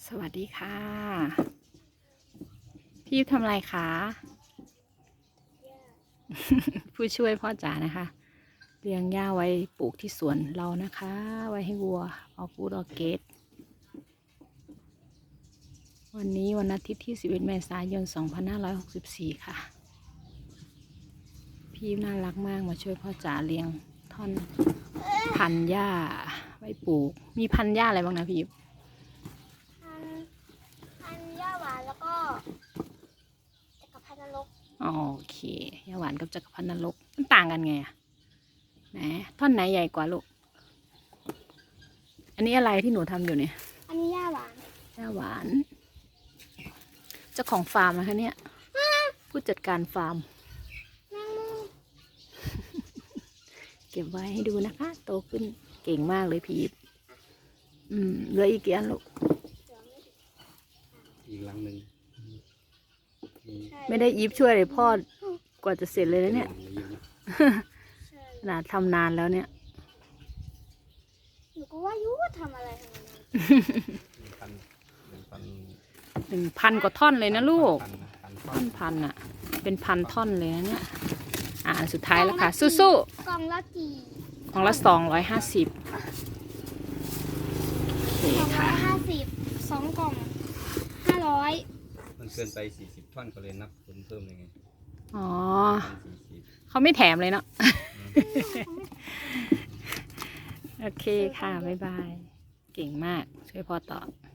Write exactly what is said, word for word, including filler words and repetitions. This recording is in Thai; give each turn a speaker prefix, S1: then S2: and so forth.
S1: สวัสดีค่ะ พี่ทำอะไรคะ ผู้ช่วยพ่อจ๋านะคะเลี้ยงหญ้าไว้ปลูกที่สวนเรานะคะ ไว้ให้วัวออกลูกออกเกตวันนี้วันอาทิตย์ที่สิบเอ็ดเมษายนสองพันห้าร้อยหกสิบสี่ค่ะ พี่น่ารักมากมาช่วยพ่อจ๋าเลี้ยงท่อนพันธุ์หญ้าไว้ปลูกมีพันธุ์หญ้าอะไรบ้างนะพี่
S2: พันพันหญ้าหวานแล้วก็จักรพรรดินรก
S1: โอเคหญ้าหวานกับจักรพรรดินรกมันต่างกันไงอะไหนท่อนไหนใหญ่กว่าลูกอันนี้อะไรที่หนูทำอยู่เนี่ย
S2: อันนี้หญ้าหวาน
S1: หญ้าหวานเจ้าของฟาร์มนะคะเนี่ยผู้จัดการฟาร์ม
S2: แมงมุม
S1: เก็บไว้ให้ดูนะคะ โตขึ้นเก่งมากเลยพีทอืมเหลืออีกกี่อันลูก
S3: อีกหลังหนึ่ง
S2: ใช่
S1: ไม่ได้อีฟช่วยเลยพ่อกว่าจะเสร็จเลยนะเนี่ย
S2: ใช่
S1: ขนาดทำนานแล้วเนี่ย
S2: หนูก็ว่าอยูทำอะไรทำไมนาน
S3: หนึ่งพันหนึ่งพัน
S1: หนึ่งพันกว่าท่อนเลยนะลูก
S3: พันนะพันท่อ
S1: ท่อน นพันอะเป็นพันท่อนเลยนะเนี่ย อ่าอันสุดท้ายแล้วค่ะ สู้
S2: กล่องละกี่
S1: ๆของละสองร้อยห้าสิบโอเค
S2: สองร้อ
S1: ค่ะ
S2: ยห้าสิบสองกล่องห้าร้อย
S3: มันเกินไปสี่สิบท่อนก็เลยนับเพิ่มเพิ่มเลยไง
S1: อ๋อ
S3: พันสี่สิบ
S1: เขาไม่แถมเลยเนาะ โอเคค่ะ บ๊ายบาย เก่งมาก ช่วยพ่อต่อ